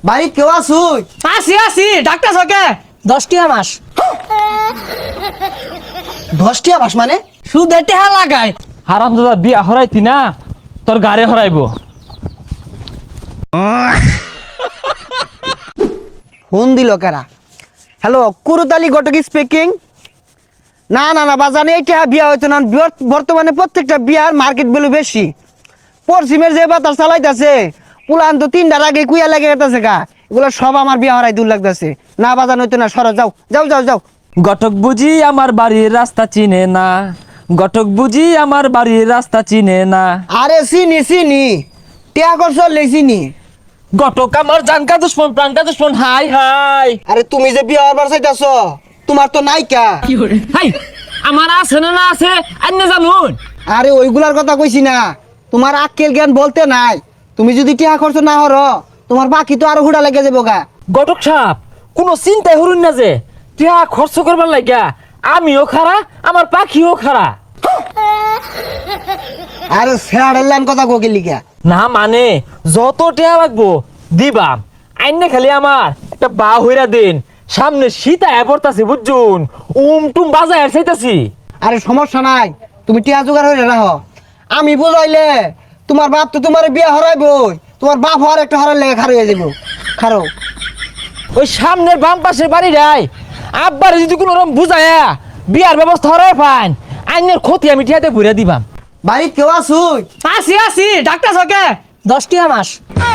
বাড়ি কেউ আসুই? আসি ডাক্তার সকে 10টি মাস 10টি মাস মানে? সুদে টেহা লাগায়। হারামজাদা বিয়া হরাইতি না তোর গাড়ি হরাইব। ফোন দিল কারা? Hello, Kurutali Ghatak speaking. না না না বাজানে এটা বিয়া হইতো না। বর্তমানে প্রত্যেকটা বিয়ার মার্কেট ভ্যালু বেশি। পশ্চিমের যে বাতাস চালাইতেছে পুলান তো 3টার আগে কুইয়া লেগে গেছে গা। এগুলো সব আমার বিয়া হরাই দূর লাগতেছে। না বাজান হইতো না, সরো যাও যাও যাও যাও। ঘটক বুঝি আমার বাড়ির রাস্তা চিনে না, ঘটক বুঝি আমার বাড়ির রাস্তা চিনে না। আরে চিনি চিনি, টিয়া করছ চিনি। ঘটক আমার জানকা দুশ্মন প্রাণকা দুশ্মন। হাই হাই আরে তুমি যে বিয়া হবার চাইতেছ তোমার তো নাইকা। হাই আমার আছে না আছে আন্য জানুন। আরে ওইগুলার কথা কইছি না, তোমার আক্কেল জ্ঞান বলতে নাই। তুমি যদি টিয়া খরচ না হর তোমার বাকি তো আরো হুড়া লেগে যাবো গা। ঘটক সাহেব কোনো চিন্তাই হরুন না যে টিয়া খরচ করবার লাগিয়া আমিও খারা আমার পাখিও খারা। আরে ফেরার লাইন কথা কোকে লিখা। না মানে যত টিয়া লাগবো দিবাম, আইনে খালি আমার একটা বা হইরা দিন। সামনে সীতা পড়তাছে বুঝছুন, টুম বাজায় চাইতাছি। আরে সমস্যা নাই, তুমি টিয়া জোগাড় হয়ে রাখো। আমি বুঝাইলে তোমার বাপ তো তোমার বিয়া হরাইবই, তোমার বাপ হওয়ার একটা হরার লেগে খারো হয়ে যাবো। খারো ওই সামনের বাম পাশের বাড়ি রাই আব্বারে যদি কোনো রকম বুঝায়া বিয়ার ব্যবস্থা হরাই পান, আইনের ক্ষতি আমি টিয়াতে ঘুরে দিবাম। বাড়ি কেউ আসুই? আসি ডাক্তার সকে 10টি মাস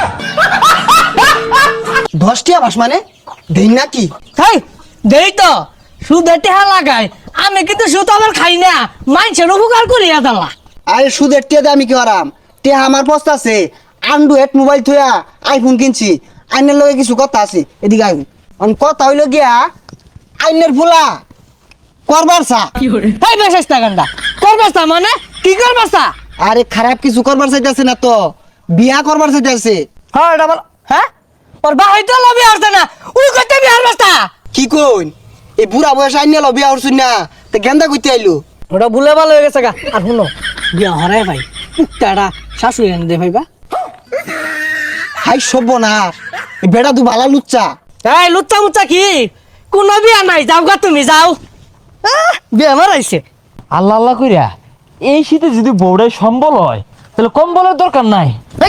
10টি মাস মানে দিন নাকি? তাই দেই তো সুদে টেহা লাগায়। আমি কিন্তু সুদ আবার খাই না, মানুষের উপকার করিয়া দালা। আরে সুদের টিয়া দিয়ে আমি কি হরাম? টিয়া আমার পস্তা আছে। অ্যান্ড্রয়েড মোবাইল থইয়া আইফোন কিনছি। আইনের লগে কিছু কথা আছে, এদিকে আইন। কথা হইল গিয়া আইনের ফুলা করবার চা। তাই বেশ টাকাটা করবাস্তা মানে কি করবাস্তা? আরে খারাপ কিছু করবার চাইতেছে না তো, বিয়া করবার চাইতেছে। হ্যাঁ এটা বল। হ্যাঁ ওর বাহাই তো লবি আসছে না, ওই করতে বিহার বাস্তা। কি কইন? এই বুড়া বয়স আইন নিয়ে বিয়া হরছুন না, তা গেন্দা কইতে আইলু। ওটা ভুলে ভালো হয়ে গেছে গা। আর শুনো বিয়া হরাই ভাই পুকটাটা শাশুড়ি এনে দে ভাইবা। হাই সভ্য না, এই বেটা তু ভালা লুচ্চা। এই লুচ্চা মুচ্চা কি? কোনো বিয়া নাই, যাও গা তুমি যাও। বিয়া মারাইছে। আল্লাহ আল্লাহ কইরা এই শীতে যদি বউড়াই সম্বল হয় তাহলে কম্বলের দরকার নাই।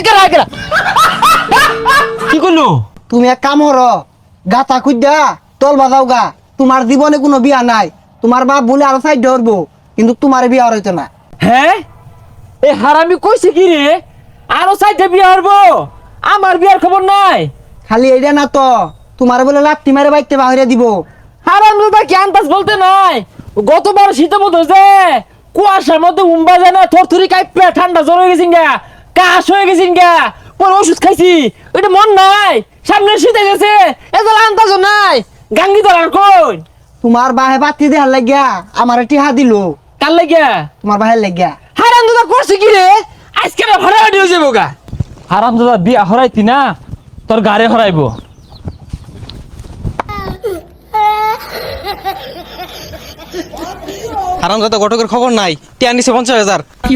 কি করলো? তুমি এক কাম হর, গাতা খুঁজা তল বাজাও গা। তোমার জীবনে কোনো বিয়া নাই। তোমার বাপ বলে আরো সাইড ধরবো, কিন্তু তোমার বিয়া হইতো না। হ্যাঁ এই হারামি কইছে কি রে আরো সাইডে বিয়া হরবো? আমার বিয়ার খবর নাই। খালি এইটা না তো, তোমার বলে লাত্তি মারে বাইতে বাহিরে দিব। হারাম দাদা জ্ঞান পাস বলতে নাই। গতবার শীতের মধ্যে যে কুয়াশার মধ্যে উম্বা যায় না, থরথরি কাইপে ঠান্ডা জ্বর হয়ে গেছিন গা, কাশ হয়ে গেছিন গা, পরে ওষুধ খাইছি। ওইটা মন নাই, সামনে শীতে গেছে, এত আন্দাজ নাই। গাঙ্গি ধরার কই তোমার বাহে বাতি দেহার লাগিয়া আমার টিহা দিল। কার লাগিয়া? তোমার বাহের লাগিয়া। হারাম দাদা করছে কি রে? আজকে না ভাড়া হয়ে যাবো গা। হারাম দাদা বিয়া হরাইতি না তোর গাড়ি হরাইব। হারামজাদা ঘটকের খবর নাই, টিয়া নিছে 50,000।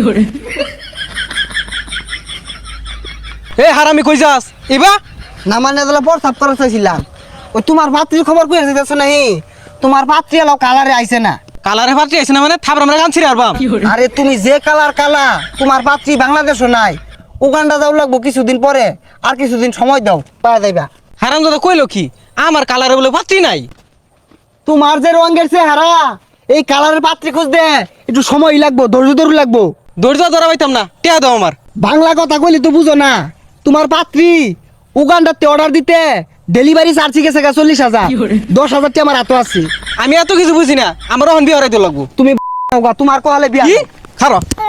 এ হারামি কই যাস? ইবা না মানে তাহলে প্রস্তাব করা চাইছিলাম। ওই তোমার পাত্রীর খবর কই যেতেছ নাহি? তোমার পাত্রী এলো কালারে আইছে না। কালারে ফাটি আইছে না মানে থাবরা আমরা কানছি রে আরবাম। আরে তুমি যে কালার কালা, তোমার পাত্রী বাংলাদেশও নাই। উগান্ডা যাও লাগবো কিছুদিন পরে, আর কিছুদিন সময় দাও পাওয়া যাইবা। হারামজাদা কইলো কি আমার কালারে বলে পাত্রী নাই? তোমার যে রঙের চেহারা, এই কালারের পাত্রী খুঁজতে একটু সময় লাগবো, ধৈর্য ধরু লাগবো। ধৈর্য ধরা পাইতাম না, টিয়া দাও আমার। বাংলা কথা কইলে তো বুঝো না। তোমার পাত্রী উগান্ডাতে অর্ডার দিতে ডেলিভারি চার্জ গেছে 40,000। 10,000 টি আমার হাতে আছে। আমি এত কিছু বুঝি না, আমার এখন বিয়ে হরাইতে লাগবো। তুমি তোমার কহালে বিয়া কি খারাপ